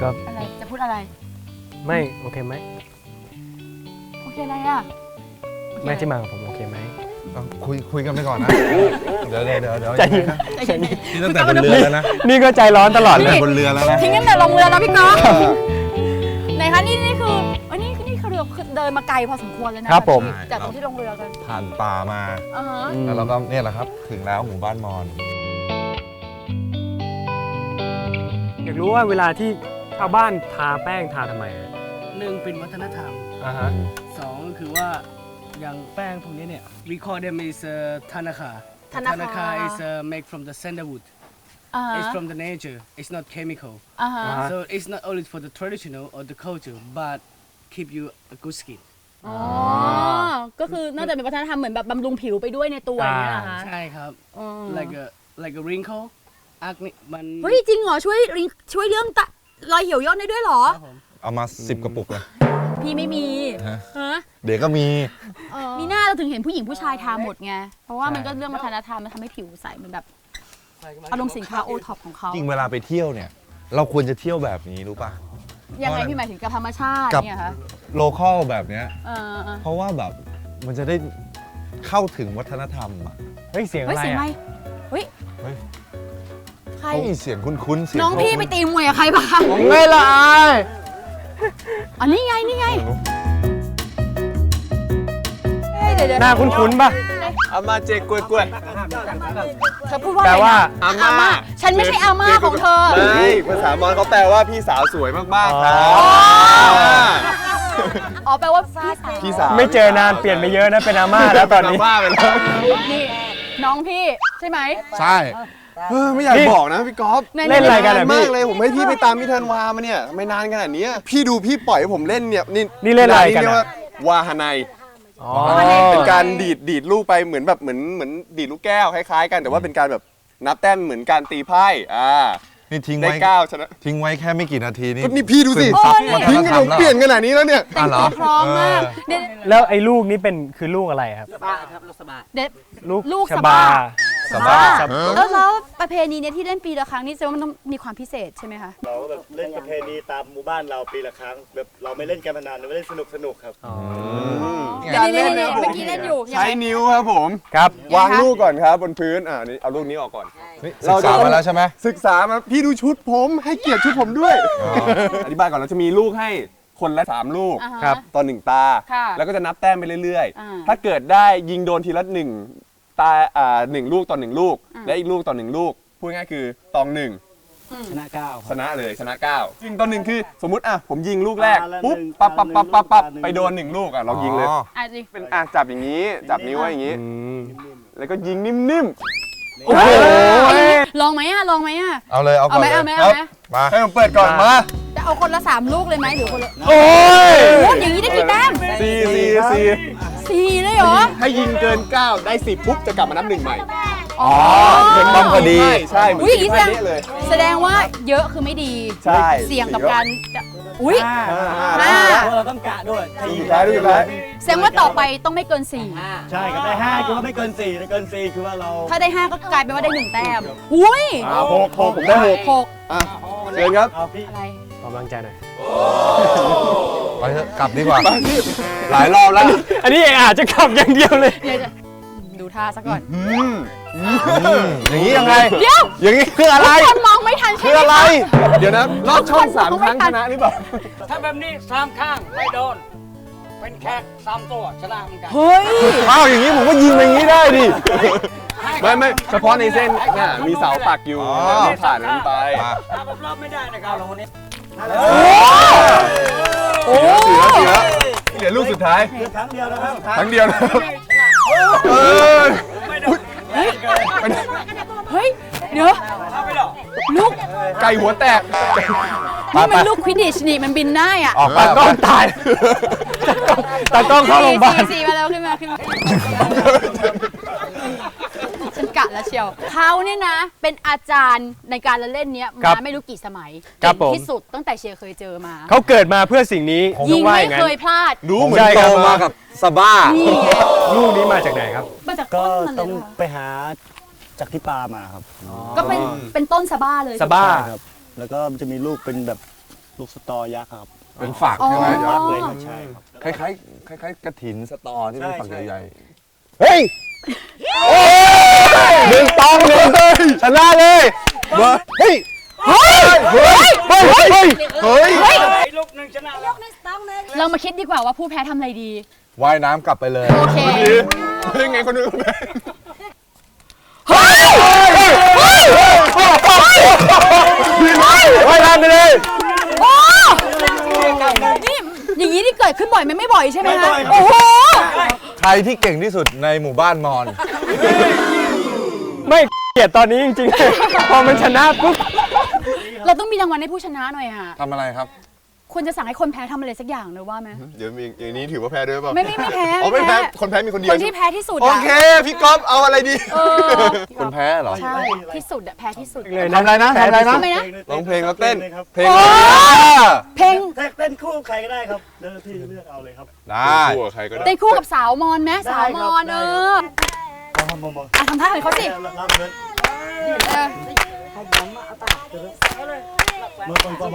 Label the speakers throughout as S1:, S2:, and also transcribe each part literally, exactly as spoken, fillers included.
S1: ก็
S2: อะไรจะพูดอะไร
S1: ไม่โอเคไหม
S2: โอเคอะไรอ่ะ
S1: แม่ที่มากับผมโอเคไหม
S3: คุยคุยกันไปก่อนนะเดี๋ยวเดี๋ยวเดี๋ยวเดี๋ยว
S1: ใจเย็น
S3: นี่ตั้งแต่บนเรือแล้วนะ
S1: นี่ก็ใจร้อนตลอดเลย
S3: บนเรือแล้วนะ
S2: ทิ้งกันแต่ลงเรือแล้วพี่ก๊อฟไหนคะนี่นี่คือเอ้ยนี่นี่คือเรือเดินมาไกลพอสมควรเลยนะครับ
S1: ผม
S2: จากตรงที่ลงเรือกัน
S3: ผ่านป่ามา
S2: อ่าฮะ
S3: แล้วเราก็เนี่ยแหละครับถึงแล้วหมู่บ้านมอญ
S1: อยากรู้ว่าเวลาที่ชาวบ้านทาแป้งทาทำไมอะ
S4: หนึ่งเป็นวัฒนธรรม
S1: อ่าฮะ
S4: สองก็คือว่าอย่างแป้งพวกนี้เนี่ย we call them is uh, tanaka tanaka is uh, made from the sandalwood
S2: อ่าฮะ
S4: it's from the nature it's not chemical
S2: อ่าฮะ
S4: so it's not only for the traditional or the culture but keep you a good skin
S2: อ๋อก็คือน่าจะเป็นวัฒนธรรมเหมือนแบบบำรุงผิวไปด้วยในตัวอย่างนี้เหรอคะ
S4: ใช่ครับ
S2: อ๋อ
S4: like a like a wrinkle อักนี่มัน
S2: เฮ้ยจริงเหรอช่วยริงช่วยเรื่องตะรอยเหี่ยวย่นได้ด้วยเหรอ
S4: ครับผม
S3: เอามาสิบกระปุกเลย
S2: พี่ไม่มี
S3: ฮะ
S2: ฮะ
S3: เดี๋ยวก็มี
S2: มีหน้าเราถึงเห็นผู้หญิงผู้ชายทาหมดไงเพราะว่ามันก็เรื่องวัฒนธรรมมันทำให้ผิวใสเหมือนแบบอารมณ์สินค้าโอท็อปของเขา
S3: จริงเวลาไปเที่ยวเนี่ย เราควรจะเที่ยวแบบนี้รู้ป่ะ
S2: ยังไงพี่หมายถึงกับธรรมชาติ
S3: กับ
S2: เนี่ยคะ
S3: โลคอลแบบเนี้ย
S2: เออเออ
S3: เพราะว่าแบบมันจะได้เข้าถึงวัฒนธรรมอ่ะ
S1: เฮ้ยเสียง
S2: เฮ้
S1: อะ
S2: ย
S1: ไร
S2: เสียงอะไร
S1: อะ
S2: เฮ้ย
S3: เฮ้ย
S2: ใคร
S3: เฮ้ยเสียงคุ้นๆเสียง
S2: น้องพี่ไปตีมวยกับใครบ้าง
S1: ไม่ละอาย
S2: อ๋อนี่ไงนี่ไงเฮ้ยเดี๋ยวเดี๋ยว
S1: หน้าคุ้นๆป่ะ
S5: อามาเจกล้วยกล้วย
S2: เธอพูดว่า
S1: แปล
S2: อะไร
S1: ว่า
S2: นะ
S5: อา
S2: อา
S5: ม่า
S2: ม่าฉันไม่ใช่อาม่าของเธอ
S5: ไม่ภาษามอญเขาแปลว่าพี่สาวสวยมากๆครับ
S1: อ๋อ
S2: อ๋อแปลว่าพี่สาว
S5: พี่สาว
S1: ไม่เจอนานเปลี่ยนไปเยอะนะเป็นอาม่าแล้วตอนนี้
S5: อาม่าไปแล้ว
S2: นี่น้องพี่ใช่ไหม
S3: ใช่
S5: เออไม่อยาก
S1: นี่
S5: บอกนะพี่ก๊อฟ
S2: ใน
S1: เล่นอะไรกันอะ
S5: มาก
S1: พี่
S5: เลยผมให้พี่ไปตามพี่ธันวามาเนี่ยไม่นานขนาดเนี้ยพี่ดูพี่ปล่อยให้ผมเล่นเนี่ยนี่
S1: นี่เล่นอะไรกัน
S5: เรีย
S1: อะ
S5: ว่าวาฮาไน
S1: อ๋อ
S5: เป็นการดีดดีดลูกไปเหมือนแบบเหมือนเหมือนดีดลูกแก้วคล้ายๆกันแต่ว่าเป็นการแบบนับแต้มเหมือนการตีไพ่อ่า
S3: นี่ทิ้ง
S5: ได้
S3: ไว้
S5: เก้าชนะ
S3: ทิ้งไว้แค่ไม่กี่นาทีนี่
S5: ก็นี่พี่ดูสิ
S3: ซึมซับวัฒ
S5: ทิ้ง
S3: น
S5: ข
S3: ธร
S5: น
S3: รม
S5: ม
S3: แล้ว
S5: เปลี่ยนขนาดนี้แล้วเนี่ย
S2: แต่งตัวพร้อมมากเดี๋ยว
S1: แล้วไอ้ลูกนี้เป็นคือลูกอะไรครับ
S2: เดี๋ยว
S1: ลูก
S2: ลูก
S1: ช
S2: ส
S1: บา
S2: บา
S3: สบาย
S1: สบา
S2: แล้วแล้วประเพณีเนี้ยที่เล่นปีละครั้งนี่แสดงว่ามันต้องมีความพิเศษใช่ไหมคะ
S6: เราก็แบบเล่นประเพณีตามหมู่บ้านเราปีละครั้งแบบเราไม่เล่นการพนันเราไม่เล่นสนุกสนุกๆครับ
S2: เดี๋ยวนี่นี่เมื่อกี้เล่นอยู่ยัง
S5: ใช้
S2: ไง
S5: นิ้วครับผม
S1: ครับ
S5: วางลูกก่อนครับบนพื้นอ่านี่เอาลูกนี้ออกก่อน
S3: นี่ศึ
S5: เรา
S3: ก
S5: จะ
S3: ษามาแล้วใช่ไหม
S5: ศึกษามาพี่ดูชุดผมให้เกียรติชุดผมด้วย อธิบายก่อนเราจะมีลูกให้คนละสามลูก
S2: อ่าฮะ
S1: ครับ
S5: ต่อหนึ่งตา
S2: ค่ะ
S5: แล้วก็จะนับแต้มไปเรื่อย
S2: อ่า
S5: ๆ ถ้าเกิดได้ยิงโดนทีละหนึ่งตาอ่าหนึ่งลูกต่อหนึ่งลูก
S2: อ่า
S5: และอีกลูกต่อหนึ่งลูกพูดง่ายๆคือตองหนึ่ง
S4: ชนะเก้าค
S5: ช
S4: รับ
S5: นะเลยชนะเก้ายิงต่อหนึ่งคือสมมุติอ่ะผมยิงลูกแรก
S6: ตาละ
S5: ปุ๊บ
S6: หนึ่ง
S5: ปั๊บปั๊บปั๊บปั๊บปั๊บ
S6: ตาหนึ่ง
S5: ไปโดนหนึ่งลูกอ่ะเรายิงเลย
S3: อ๋อ
S2: อ่ะจริง
S5: เป็นอ่ะจับอย่างนี้จับนิ้วไว้อย่างนี้
S1: อืม
S5: แล้วก็ยิงนิ่ม
S1: โอ้โห
S2: ลองไหมอ่ะลองไหมอ่ะ
S3: เอาเลยเอาก่อน
S2: เอาไหม
S3: เลย
S2: เอาไหม
S3: มา
S5: ๆให้ผมเปิดก่อนมา
S2: จะเอาคนละสามลูกเลยไหมหรือคนละ
S1: โอ้ย
S2: โอ้ยอย่างนี้ได้กี่แต้ม
S5: สี่สี่สี่
S2: สี่เลยเหรอ
S5: ถ้ายิงเกินเก้าได้สิบปุ๊บจะกลับมานับหนึ่งใหม่
S2: อ๋อ
S3: เหมือนต้องพอดี
S5: ใช่ใช่เหมือน
S2: อุ้ยอย่างนี้แสดง
S5: ตีไพ่เละเลย
S2: แสดงว่าเยอะคือไม่ดี
S5: ใช่
S2: เสี่ยงกับการจะอุ้ย
S5: ห้า
S2: ห้า
S4: เพราะเราต้องกะด้วยถ้า
S5: ลู
S4: ยิ
S5: ก
S4: ง
S5: สุดท้ายลูกสุดท้าย
S2: แสดงว่าต่อไปต้องไม่เกินสี่
S6: ใช่ครับได้ห้าคือว่าไม่เกินสี่ถ้าเกินสี่คือว่าเรา
S2: ถ้าได้ห้าก็กลายเป็นว่าได้หนึ่งแต้มอุ้ย
S5: อ่าหกหกผมได้หก
S2: หก
S5: อ่ะเชิญครับ
S6: เอาพี่
S2: อะไร
S1: ขอกำลังใจหน่อย
S3: ไปเถอะกลับดีกว่า
S5: หลายรอบแล้ว
S1: อันนี้เองอาจจะขับอย่างเดียวเลย
S2: เดี๋ยวจะดูท่าซะก่อน
S5: อืม
S3: อย่างนี้ยังไง
S2: เดี๋ยว
S5: อย่างนี้คืออะไร
S2: ทุกคนมองไม่ทันใช่
S5: คือ
S2: ไหม
S5: อะไร
S2: คะ
S5: เดี๋ยวนะลอดช่องสามครั้งชนะหรือเปล่า
S4: ถ้าแบบนี้สามข้างไม่โดน เป็นแค่สามตัวชนะเหมือนกัน
S2: เฮ้ย
S5: อ้าวอย่างนี้ผมก็ยิงไปอย่างนี้ได้ดิไม่ไม่เฉพาะในเส้นน่ะมีเสาปักอยู่
S3: อ๋อ
S5: ไม่ผ่านนั้นไป
S3: มา
S4: ถ้าแบบรอบไม่ได้นะครับเราคนนี้
S2: โอ้
S5: เสือเสือเหลือลูกสุดท้าย
S6: คือครั้งเดียวนะครับ
S5: ครั้งเดียวนะครับเออ
S2: เฮ้ย เดี๋ยวลูก
S5: ไก่หัวแตก
S2: นี่มันลูกควิดดิชนี่มันบินได้อ่ะ
S3: ออกไป
S1: ตากล้องตายตากล้องเข้าโรงพยาบาล
S2: สี่สี่มาแล้วขึ้นมาขึ้นมาฉันกะแล้วเชียวเขาเนี่ยนะ เป็นอาจารย์ในการละเล่นเนี้ย
S1: ครั
S2: มา
S1: บ
S2: ไม่รู้กี่สมัย
S1: ครับผม
S2: เก่งที่สุดตั้งแต่เชียร์เคยเจอมา
S1: เขาเกิดมาเพื่อสิ่งนี้
S2: ยิ
S1: ต้อง งว่า
S2: ไม่
S1: อย่างนั้
S2: เคน ยพลาด
S5: รู้เหมือ
S1: ใช่
S5: น
S1: ค
S5: โต
S1: รับ
S5: มากับสบ้า
S2: นี่ไง
S1: ลูกนี้มาจากไหนครับ
S2: มาจาก
S6: ก็
S2: ต้นมันเล
S6: ต้อง
S2: ยเหรอ
S6: ไปหาจากที่ปลามาครับ
S2: ก็เป็นเป็นต้นสะบ้าเลย
S1: สะบ้า
S6: ใช่ครับ แล้วก็มันจะมีลูกเป็นแบบลูกสตอยักษ์ครับ
S3: เป็นฝัก
S2: อ๋อ
S3: ใช่ไหม
S6: ยักษ์เลยครับใช่ครับ
S3: คล้ายๆคล้ายๆกระถินสตอที่เป็น
S6: ใช่
S3: ฝัก
S6: ใช่
S3: ใหญ่ๆเฮ้ยหนึ่งตองหนึ่งชนะเลยเบอร์เฮ้ยเฮ้ยเฮ้ยเฮ้ยเฮ้ยเฮ้ย
S4: ลูกหนึ่งชนะแล้ว
S2: เรามาคิดดีกว่าว่าผู้แพ้ทำอะไรดี
S3: ว่ายน้ำกลับไปเลย
S2: โอเค
S5: เฮ้ยไงคนนู้นคนนี้
S3: ว่ายน้ำไปเลย
S2: โอ้นี่อย่างนี้นี่เกิดขึ้นบ่อยไหมไม่บ่อยใช่ไหม
S6: ไม่บ่
S2: คะ
S6: อยครับ
S2: โอ้โห
S3: ใครที่เก่งที่สุดในหมู่บ้านมอน
S1: ไม่เกลียดตอนนี้จริงๆ พอมันชนะปุ๊บ
S2: เราต้องมีรางวัลให้ผู้ชนะหน่อยค่ะ
S3: ทำอะไรครับ
S2: ควรจะสั่งให้คนแพ้ทำอะไรสักอย่างเลยว่าไหม
S5: เดี๋ยวมีอย่างนี้ถือว่าแพ้ด้วยเปล่า
S2: ไม่ไม่ไม่แพ้
S5: อ๋อไม่แพ้คนแพ้มีคนเดีย
S2: ค
S5: วน
S2: ที่แพ้ที่สุด
S5: โอ
S2: อะ
S5: เคพี่ก๊อฟเอาอะไรดี
S2: เออ
S3: คนแพ้เหรอ
S2: ใช่ที่สุดอะแพ้ที่สุด
S1: เลย
S3: ทำอะไรนะทำอะไรนะ
S2: ทำไมนะ
S5: ร้องเพลงแล้วเต้น
S6: ลยครับ
S5: เพลง
S2: โอ้ เพลง
S6: เต้นคู่กับใครก็ได้ครับเดี๋ยวพี่เลือกเอาเลยครับ
S3: ได้
S5: คู่กับใครก็ได้
S2: เต้นคู่กับสาวมอนไหมสาวมอนเออ
S6: มองมองมอง
S2: อ่ะทำท่าเหมือนเขาสิ
S6: รับเงิน
S2: เออ
S6: มือคนก็มอง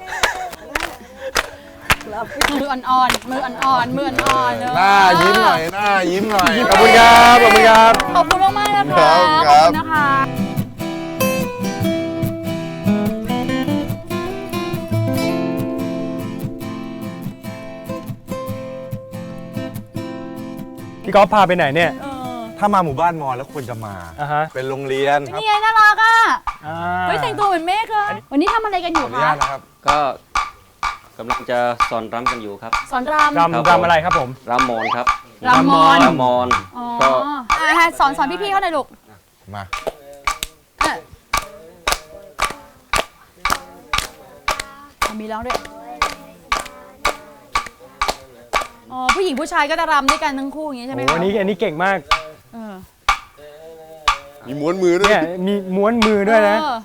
S2: มืออ่อนๆมืออ่อนๆมืออ่อนๆเออ
S3: หน้ายิ้มหน่อยหน้ายิ้มหน่อย
S1: ขอบคุณครับขอบคุณครับ
S2: ขอบคุณมากๆนะคะ
S5: ครับ
S2: ข
S5: ครั
S2: อบบ คุณนะคะ
S1: พี่ก๊อฟพาไปไหนเนี่ย
S2: เออ
S3: ถ้ามาหมู่บ้านมอนแล้วควรจะมา
S1: อ่าฮะ
S3: เป็นโรงเรียนครับ
S2: นี่ไงน่ารักอ่ะ
S1: อ่า
S2: เฮ้ยแต่งตัวเหมือนเมฆเลยวันนี้ทำอะไรกันอ
S3: ขอยู่ อนุ
S2: คะ
S3: ญาตนะครับ
S7: ก็กำลังจะสอนรำกันอยู่ครับ
S2: สอนรำ
S1: รำรำอะไรครับผม
S7: รำมอนครับ
S2: รำมอน
S7: รำมอน
S2: อ๋อ
S7: ก็
S2: อ่ะสอนสอนพี่ๆเขาหน่อยลูก
S3: มา
S2: เออมีร้องด้วยอ๋อผู้หญิงผู้ชายก็จะรำด้วยกันทั้งคู่อย่างนี้ใช่ไหม
S1: โอ้
S2: คะ
S1: อันนี้อันนี้เก่งมาก
S2: เออ
S5: มีม้วนมือด้วย
S1: เนี่ยมีม้วนมือด้วยนะ
S2: เออ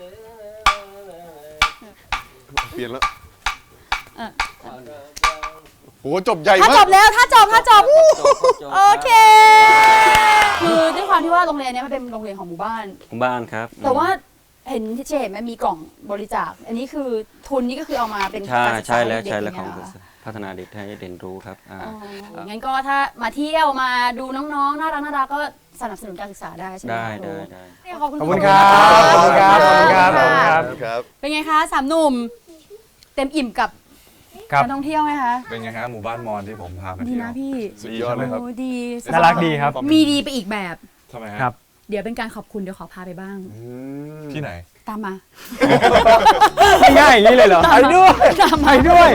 S5: เปลี่ยนแล้ว
S2: เออ
S5: โหจบใหญ่
S2: ถ้าม
S5: าก
S2: จบแล้วถ้าจบถ้าจบโอเค คือด้วยความที่ว่าโรงเรียนเนี้ยมันเป็นโรงเรียนของหมู่บ้าน
S7: ของบ้านครับ
S2: แต่ว่าเห็นที่เจเห็นมันมีกล่องบริจาค อันนี้คือทุนนี่ก็คือเอามาเป็น
S7: ใช่
S2: การศึกษา
S7: ใช่แล้ว
S2: เด็กๆ
S7: ใช่แล้ว
S2: ย่า
S7: ของ
S2: เยเหรคะ
S7: พัฒนาเด็กให้เรียนรู้ครับอ่า
S2: อ๋องั้นก็ถ้ามาเที่ยวมาดูน้องๆ น่ารักน่ารักก็สนับสนุนการศึกษาได้ใช่ไหม
S7: ได้
S2: คะครู
S7: ได้ได้
S2: ขอบคุณ
S1: ขอบคุณครับขอบคุณครับขอบคุณครับขอบคุณครับ
S5: ครับ
S2: เป็นไงคะสามหนุ่ม เต็มอิ่มกับ
S1: ครับ
S2: การท่องเที่ยวไหมคะ
S3: เป็นไงฮะหมู่บ้านมอนที่ผมพาไป
S2: ดี
S3: เที่ยว
S2: นะพี่
S5: สุดยอดเลยครับ
S2: โอ้ดี
S1: น่ารักดีครับ
S2: มีดีไปอีกแบบ
S3: ทำไมฮะ
S1: ครับ
S2: เดี๋ยวเป็นการขอบคุณเดี๋ยวขอพาไปบ้าง
S3: ที่ไหน
S2: ตามมา
S1: ง่ายๆอย่างนี้เลยเหรอ ไปด้วย
S2: ตามมา
S1: ไปด้วย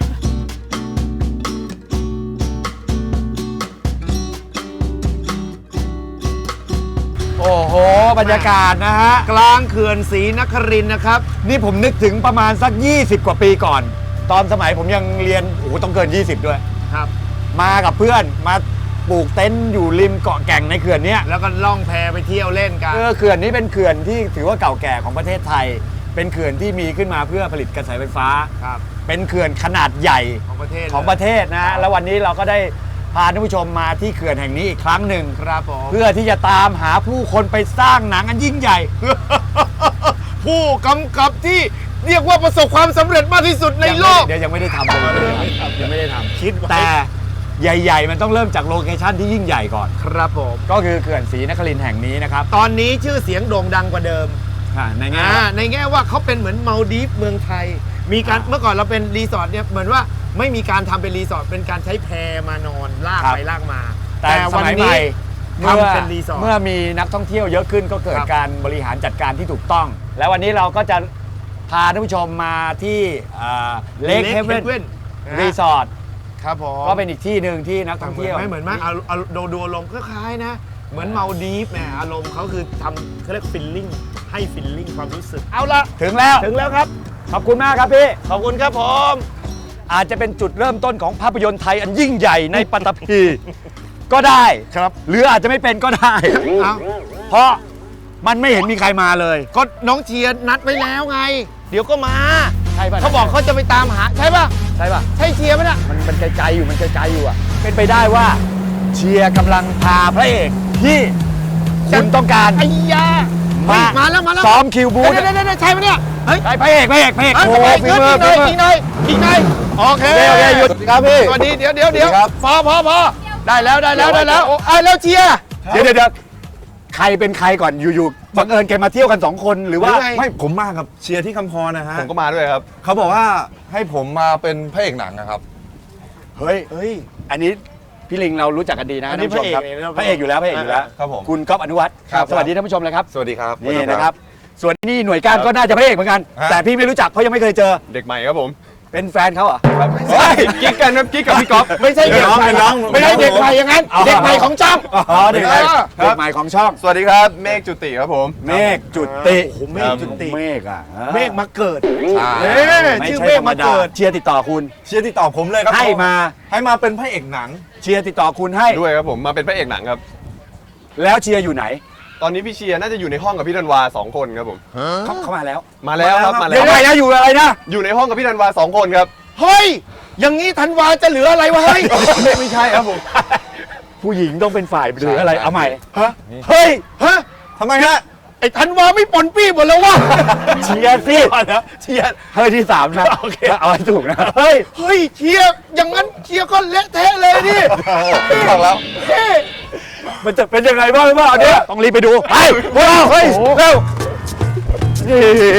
S3: โอ้โห บรรยากาศนะฮะ กลางเขื่อนศรีนครินทร์นะครับ นี่ผมนึกถึงประมาณสัก ยี่สิบ กว่าปีก่อน ตอนสมัยผมยังเรียน โอ้โห ต้องเกิน ยี่สิบ ด้วย
S4: ครับ
S3: มากับเพื่อนมาปลูกเต็นท์อยู่ริมเกาะแก่งในเขื่อนเนี้ย
S4: แล้วก็ล่องแพไปเที่ยวเล่นกัน
S3: เออเขื่อนนี้เป็นเขื่อนที่ถือว่าเก่าแก่ของประเทศไทย เป็นเขื่อนที่มีขึ้นมาเพื่อผลิตกระแสไฟฟ้า
S4: ครับ
S3: เป็นเขื่อนขนาดใหญ่
S4: ของประเทศ
S3: ของประเทศนะฮะ แล้ววันนี้เราก็ได้พาท่านผู้ชมมาที่เขื่อนแห่งนี้อีกครั้งหนึ่ง
S4: ครับผม
S3: เพื่อที่จะตามหาผู้คนไปสร้างหนังอันยิ่งใหญ่
S4: ผู้กำกับที่เรียกว่าประสบความสำเร็จมากที่สุดในโลก
S3: เดี๋ยวยังไม่ได้ทำเลยยังไม่ได้ทำคิดแต่ใหญ่ ๆ มันต้องเริ่มจากโลเคชั่นที่ยิ่งใหญ่ก่อน
S4: ครับผม
S3: ก็คือเขื่อนศรีนครินทร์แห่งนี้นะครับ
S4: ตอนนี้ชื่อเสียงโด่งดังกว่าเดิม
S3: อ่าในแง่
S4: อ่าในแง่ว่าเขาเป็นเหมือนมาลดีฟเมืองไทย มีการ
S3: อ่า
S4: เมื่อก่อนเราเป็นรีสอร์ทเนี่ยเหมือนว่าไม่มีการทำเป็นรีสอร์ทเป็นการใช้แพมานอนลาก
S3: ครับ
S4: ไปลากมา
S3: แต่สมัยใหม่
S4: ทำเป็นรีสอร์ท
S3: เมื่อมีนักท่องเที่ยวเยอะขึ้นก็เกิด
S4: ครับ
S3: การบริหารจัดการที่ถูกต้อง แล้ววันนี้เราก็จะพาท่านผู้ชมมาที่เลคเฮเว่นรีสอร์ท
S4: ครับผม
S3: ก็เป็นอีกที่หนึ่งที่นักท่อง
S4: เหมือน
S3: เที่ยว
S4: ไหม่เหมือนไหมเอาเอาดูดูอารมณ์คล้ายๆนะ เหมือนมาลดีฟแหมอารมณ์เขาคือทำเขาเรียกฟิลลิ่งให้ฟิลลิ่งความรู้สึก เอาละ
S3: ถึงแล้ว
S4: ถึงแล้วครับ
S3: ขอบคุณมากครับพี่
S4: ขอบคุณครับผม
S3: อาจจะเป็นจุดเริ่มต้นของภาพยนตร์ไทยอันยิ่งใหญ่ในปัตตภีก็ได้
S4: ครับ
S3: หรืออาจจะไม่เป็นก็ได้
S4: เอา
S3: เพราะมันไม่เห็นมีใครมาเลย
S4: ก็น้องเชียร์นัดไว้แล้วไง เดี๋ยวก็มา
S3: ใช่ป่ะ
S4: เขาบอกเขาจะไปตามหา ใช่ป่ะ
S3: ใช่ป่ะ
S4: ใช่เชียร์ไหมน่ะ
S3: มันมันไกลๆอยู่มันไกลๆอยู่อ่ะ เป็นไปได้ว่าเชียร์กำลังพาพระเอกที่คุณต้องการ
S4: ไอ้ยา
S3: มา
S4: มาแล้วมาแล้ว
S3: ซ้อมคิวบูธ
S4: เดี๋ยวเดี๋ยวเดี๋ยวใช่ไหมเนี่ยเฮ้ย
S3: ใช่พระเอกพระเอกพระเอก
S4: เฮ้ย
S3: โอ้โห
S4: ไป
S3: ฝี
S4: ขึ้น
S3: มือ
S4: อีกห
S3: ฝี
S4: น่อย
S3: มือ
S4: อีกหน่อยอีกหน่อยโอเค
S3: โอเคโอเคหยุดครับพี่
S4: สวัสดีเดี๋ยวเดี๋ยวเดี๋ยว
S3: สวัสดีครับ
S4: พอพอพอได้แล้วได้แล้วได้แล้วโอ้ไอ้แล้วเชียร์
S3: เดี๋ยวเดี๋ยวเดี๋ยวใครเป็นใครก่อนอยู่ๆบังเอิญแกมาเที่ยวกันสองคนหรือว่า
S8: ไม่ผมมากับเชียร์ที่คำพรนะฮะ
S5: ผมก็มาด้วยครับ
S8: เขาบอกว่าให้ผมมาเป็นพระเอกหนังนะครับ
S3: เฮ้ย
S8: เฮ้ย
S3: อันนี้พี่ลิงเรารู้จักกันดีนะ
S8: อันนี้
S3: ท่านผู้ชมครับ
S8: พระเอกเลยนะ
S3: พระเอกอยู่แล้วพระเอกอยู่แล้ว
S8: ครับผม
S3: คุณก๊อฟอนุวัฒน์
S8: ครับ
S3: สวัสดีท่านผู้ชมเลยครับ
S8: สวัสดีครับ
S3: นี่นะครับ ส่วนนี่หน่วยก้านก็น่าจะพระเอกเหมือนกัน
S8: ฮะ
S3: แต่พี่ไม่รู้จักเพราะยังไม่เคยเจอ
S5: เด็กใหม่ครับผม
S3: เป็นแฟนเขาเหรอ
S5: เฮ้ยกิ๊กกันครับกิ๊กกับพี่ก๊อฟ
S3: ไม่ใช่เด็กใหม่
S8: เป็นน้อง
S3: ไม่ใช่เด็กใหม่อย่างนั้น เด็กใหม่ของช่องอ๋อเด็กใหม่
S8: ครับ
S3: เด็กใหม่ของช่อง
S5: สวัสดีครับเมฆจุติครับผม
S3: เมฆจุติ
S8: โอ้โหเมฆจุติ
S3: เมฆอ่ะ
S8: เมฆมาเกิด
S3: อ่า
S8: เอ๊ะ
S3: ไม่
S8: ชื่อ
S3: ใช่
S8: เมฆ
S3: ธรรม
S8: มา
S3: ดา
S8: เกิด
S3: เชียร์ติดต่อคุณ
S8: เชียร์ติดต่อผมเลยครับ
S3: ให้มา
S8: ให้มาเป็นพระเอกหนัง
S3: เชียร์ติดต่อคุณให้
S5: ด้วยครับผมมาเป็นพระเอกหนังครับ
S3: แล้วเชียร์อยู่ไหน
S5: ตอนนี้พี่เชียร์น่าจะอยู่ในห้องกับพี่ธันวาสองคนครับผม
S3: เขาเข้ามาแล้ว
S5: มาแล้วครับมาแล้
S3: เดี๋ยว
S5: ว
S3: ไงนะอยู่อะไรนะ
S5: อยู่ในห้องกับพี่ธันวาสองคนครับ
S4: เฮ้ยอย่างนี้ธันวาจะเหลืออะไรวะเฮ้ย
S5: ไม่ใช่ครับผม
S3: ผู้หญิงต้องเป็นฝ่ายหรืออะไร
S8: ใช่
S3: เอาใหม่
S8: ฮะ
S3: เฮ้ย
S4: ฮะ
S8: ทำไมฮะ
S4: ไอ้ธันวาไม่ปนปี้หมดแล้ววะ
S3: เชียร์สิ
S8: เชียร์
S3: เฮ้ยที่สามนะเอาให้ถูกนะเฮ้ย
S4: เฮ้ยเชียร์อย่างนั้นเชียร์ก็เละเทะเลยดิ
S8: บอกแล้ว
S4: เฮ้ย
S3: มันจะเป็นยังไงบ้างหรือเปล่าเนี่ยต้องรีบไปดูไปพวกเราเฮ้ยเร็วนี่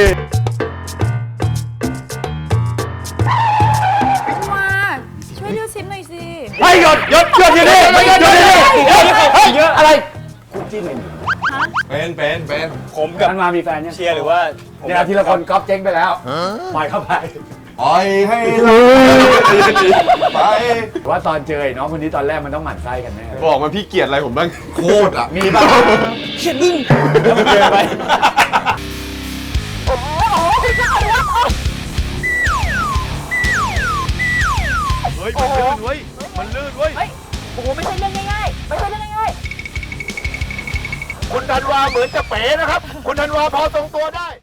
S2: มาช่วยดูซิมหน่อยสิ
S3: ให้หยดหยดหยดอยู่นี่หยดอยู่นี่เฮ้ยเฮ้ยอะไรคุณจิ้นเอง
S8: เป็นเป็นเป็น
S1: ผมกับ
S3: มันมามีแฟนเนี่ย
S1: เชียร์หรือว่าผม
S3: เนี่ยทีละคนก๊อฟเจ๊งไปแล้วปล่อยเข้าไป
S8: ปล่อยให้ไหลไป
S3: ว่าตอนเจอไอ้น้องคนนี้ตอนแรกมันต้องหมั่นไส้กันแน่
S5: บอกมาพี่เกลียดอะไรผมบ้าง
S8: โคตรอ่ะ
S3: มีบ้างเขียนบึ้งแล้วมันเจอไป
S5: เฮ้ยมันลื่นเว้ยมันลื่นเว้ย
S2: โอ้โหไม่ใช่เรื่องง่ายๆไม่ใช่เรื่องง่ายๆ
S3: คุณธันวาเหมือนจะเป๋นะครับ คุณธันวาพอทรงตัวได้